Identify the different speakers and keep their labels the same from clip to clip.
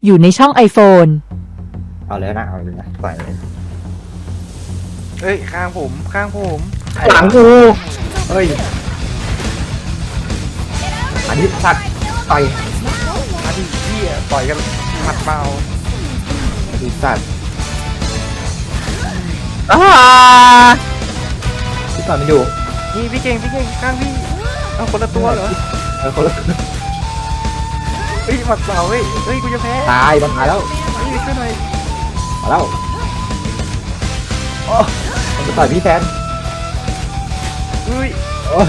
Speaker 1: อยู่ในช่อง iPhone
Speaker 2: เอาเลยนะเอาเลยนะปล่อยเลย
Speaker 3: เฮ้ยข้างผม
Speaker 2: หลังกูเฮ้ยอันนี้สัตว์ต่อย
Speaker 3: มาดิพี่ต่อยกันหมัดเบา
Speaker 2: อันนี้สัตว์ที่ต่อยมันอยู่
Speaker 3: นี่พี่เก่งข้างพี่เอาคนละตัวเหรอ
Speaker 2: คนละ
Speaker 3: เฮ้ยหมัดเบาเฮ้ยกูจะแพ้
Speaker 2: ตายมันตายแล้ว
Speaker 3: เฮ้ยช่วยหน่อย
Speaker 2: มาแล้วโอ้มันจะต่อยพี่แฟน
Speaker 3: เฮ้ย
Speaker 2: โอ้ย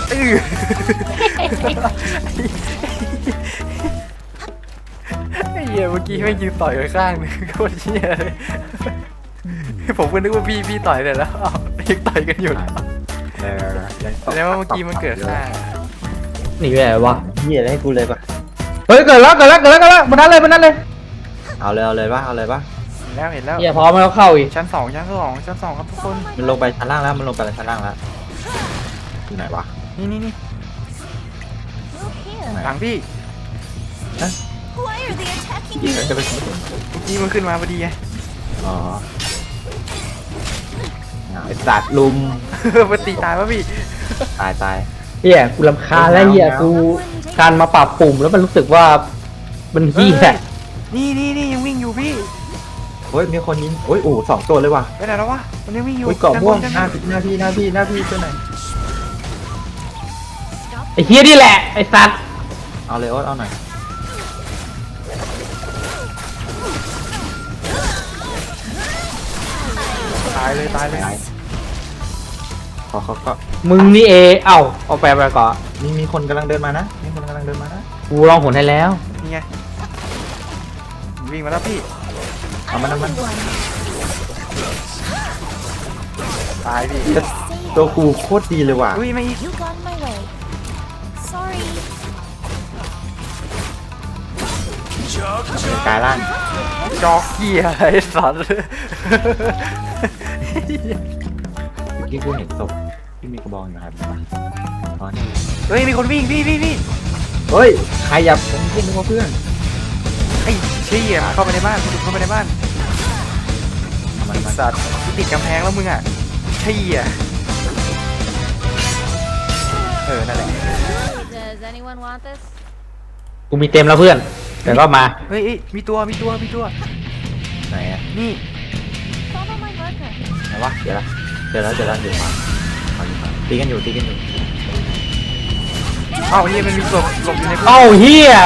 Speaker 3: ไอ้เหี้ยเมื่อกี้ไม่ยืนต่อยไปข้างนึงโคตรเหี้ยเลยผมก็นึกว่าพี่ต่อยเสร็จแล้วอ้าวยังต่อยกันอยู่แล้วว่าเมื่อกี้มันเกิดข้าง
Speaker 4: หนีไปไหนวะ
Speaker 2: เหี้ยอะไรให้กูเลยปะ
Speaker 4: เฮ้ยเกิดแล้วมันนั้นเลย
Speaker 2: เอาเลยปะเ
Speaker 3: เห็นแล้ว
Speaker 4: เฮียพร้อมแล้วเข้าอีก
Speaker 3: ชั้นสองครับทุกคน
Speaker 2: มันลงไปชั้นล่างแล้วอยู่ไหนวะ
Speaker 3: นี่
Speaker 2: ไหน
Speaker 3: หลังพี่
Speaker 5: Why are they attacking
Speaker 2: ยิง
Speaker 5: me?
Speaker 2: จะไปถึง
Speaker 3: เมื่อกี้มันขึ้นมาพอดีไง
Speaker 2: อ๋อไอ้สัตว์ลุม
Speaker 3: มันตีตายวะพี่
Speaker 2: ตาย
Speaker 4: เฮียกูรำคาญแล้วเฮียกูการมาปรับปุ่มแล้วมันรู้สึกว่ามันเฮีย
Speaker 3: นี่ยังวิ่งอยู่พี่
Speaker 2: เฮ้ยมีคนยิงโอ้ยสองตัวเลยว่ะ
Speaker 3: ไปไหนแล้ววะมันยังวิ่งอยู่
Speaker 2: โอ้ยเกาะม่วงห
Speaker 3: ด้
Speaker 2: น้า
Speaker 3: บ
Speaker 2: พี่ตัวไหน
Speaker 4: ไอ้เฮียนี่แหละไอ้สัตว์
Speaker 2: เอาเลยโอ๊ตเอาหน่อย
Speaker 3: ตายเลย
Speaker 2: เขาก็
Speaker 4: มึงนี่เอาไปก่อน
Speaker 2: มีคนกำลังเดินมานะ
Speaker 4: กูลองหนให้แล้ว
Speaker 3: นี่ไงวิ่งมาแล้วพี่
Speaker 2: เอามัน
Speaker 3: ตายพี่
Speaker 2: ตัวกูโคตรดีเลยว่ะ
Speaker 3: อุ้ยไม่อีก
Speaker 5: You got my way. Sorry.
Speaker 2: กายล่าง
Speaker 3: จอกเกียไอ้สัตว์
Speaker 2: เมื่อกี้กูเห็นศพที่มีกระบองอยู่ครับอ๋อนี่
Speaker 3: เฮ้ยมีคนวิ่งพี่
Speaker 2: เฮ้ยใครอย่าผมขึ้นนึกว่าเพื่อน
Speaker 3: ไอ้เชี่ยเข้าไปในบ้านเข้าไปในบ้าน
Speaker 2: มัน
Speaker 3: ไอ้สัตว์ติดกำแพงแล้วมึงอ่ะเชี่ยนั่นแหละ
Speaker 5: Does anyone want this?
Speaker 4: กูมีเต็มแล้วเพื่อนแต่ก็มา
Speaker 3: เฮ้ยมีตัว
Speaker 2: ไหนอะ
Speaker 3: นี่
Speaker 5: Follow my marker.
Speaker 2: ไหนวะเดี๋ยวมาตีกันอยู่
Speaker 3: เอ้าเฮียมันมีศพหลบอยู่ใน
Speaker 4: เอ้าเฮีย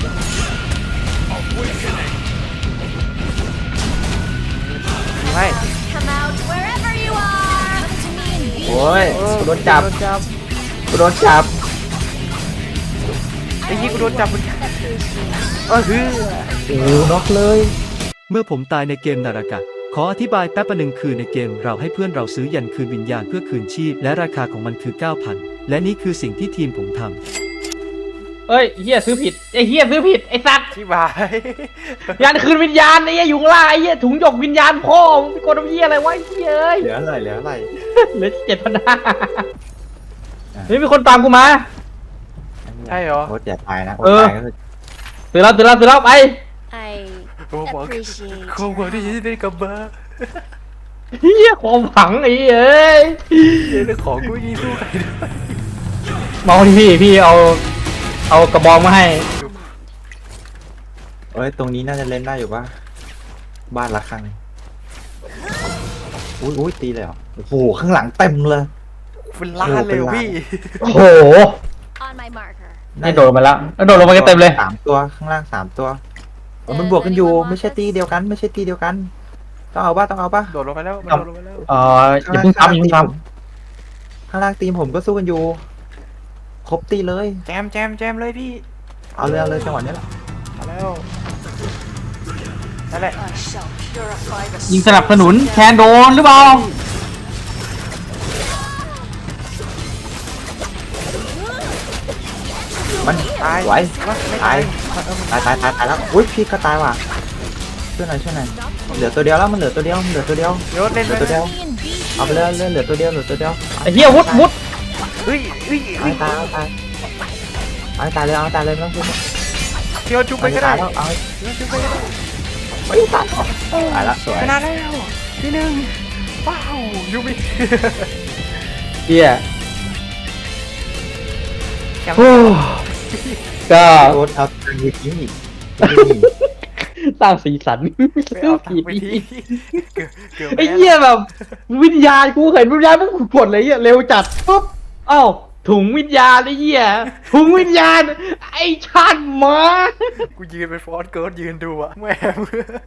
Speaker 3: ไม่
Speaker 5: Come out wherever you are. Come to me and be
Speaker 2: โอ้ยกูโดนจับ
Speaker 3: ไอ้ยี่กูโดนจับมึงฮือ
Speaker 2: โอ้น็อกเลย
Speaker 6: เมื่อผมตายในเกมนารากะ ขออธิบายแป๊บประหนึ่งคือในเกมเราให้เพื่อนเราซื้อยันคืนวิญญาณเพื่อคืนชีพและราคาของมันคือ 9,000 และนี่คือสิ่งที่ทีมผมทำ
Speaker 4: เฮ้ยเฮียซื้อผิดไอ้สัตว์
Speaker 3: ที่บาย
Speaker 4: ยันคืนวิญญาณไอ้เฮียอยู่ข้างล่างไอ้เฮียถุงหยกวิญญาณพ่อมึงไปกดน้ำเฮียอะไรวะไอ้เฮียเอ้ย
Speaker 2: เหลืออะไร
Speaker 4: เหลือ7,500เฮ้ยมีคนตามกูมา
Speaker 3: ใช่เหรอ
Speaker 2: โอ๊ตอย่าตายนะ
Speaker 4: เออ
Speaker 2: ตายก็คือ
Speaker 4: ตื่นแล้วไป
Speaker 5: I
Speaker 3: โอ้บอก
Speaker 5: appreciate
Speaker 3: โค้งบอกที่จะได้กลับมา
Speaker 4: เฮียความหวังไอ้เอ้ย
Speaker 3: เรื่องของกูยิงสู้ใครด้วย
Speaker 4: มองที่พี่เอากระบองมาให้
Speaker 2: เอ้ยตรงนี้น่าจะเล่นได้อยู่ปะบ้านละครั้งอุ้ยตีเลยเหรอโอ้โหข้างหลังเต็มเลย
Speaker 3: เป็นล้านเลยพี่
Speaker 4: โอ้โห
Speaker 5: on my marker.
Speaker 4: นี่โดดมาแล้วโดดลงมากันเต็มเลย
Speaker 2: 3 ตัวข้างล่าง3 ตัวมันบวกกันอยู่ไม่ใช่ตีเดียวกันต้องเอาป่ะ
Speaker 3: โดดลงไปแล้วมันโดดลงไปแล้ว
Speaker 4: อย่าเพิ่งทำ
Speaker 2: ข้างล่างทีมผมก็สู้กันอยู่ครบตีเลย
Speaker 3: แจมเลยพี่
Speaker 2: เอาเลยจังหวะนี้แหละ
Speaker 3: มาแล้วนั่นแหละ
Speaker 5: I shall purify the
Speaker 4: ยิงสนับสนุนแทนโดนหรือเปล่า
Speaker 2: มัน
Speaker 3: ตาย
Speaker 2: ไหว
Speaker 3: ไม่
Speaker 2: ตา
Speaker 3: ตาย ย
Speaker 2: ตายแล้วอุ้ยพี่ก็ตายว่ะช่วยหน่อยเหลือตัวเดียวแล้วมันเหลือตัวเดียว
Speaker 3: โยนเล่น
Speaker 2: เหลือตัวเดียว
Speaker 5: me and be
Speaker 2: เอาไปเลยเหลือตัวเดียว
Speaker 4: ไอ้เหี้ยวุด
Speaker 3: เฮ้ย
Speaker 2: เอาให้ตายเลยไม่ต้องพูด
Speaker 3: พี่ว่าจุ๊บไปก็ได้
Speaker 2: แล้วเอา
Speaker 3: พี่ว่าจุ๊บไปก็ได้
Speaker 2: ตายละสวย
Speaker 3: ชนะแล้วที่หนึ่งว้าวยูบิ
Speaker 4: เฮีย
Speaker 3: แชมป์
Speaker 4: โอ้ก็
Speaker 2: โอ๊ตเอาตังค์ไปทิ้งอีก
Speaker 4: สร้างสีสัน
Speaker 3: ไปเอาตังค์ไปทีเกือบ
Speaker 4: ไอ้
Speaker 3: แพ้
Speaker 4: เหี้ยแบบ วิญญาณกูเห็นวิญญาณมันกดเลยเหี้ยเร็วจัดปุ๊บเอ้าถุงวิญญาณไอ้เหี้ยถุงวิญญาณ ไอ้ชาติหมา
Speaker 3: กูยืนเป็นฟอสเกิร์ดยืนดูอะแม่ง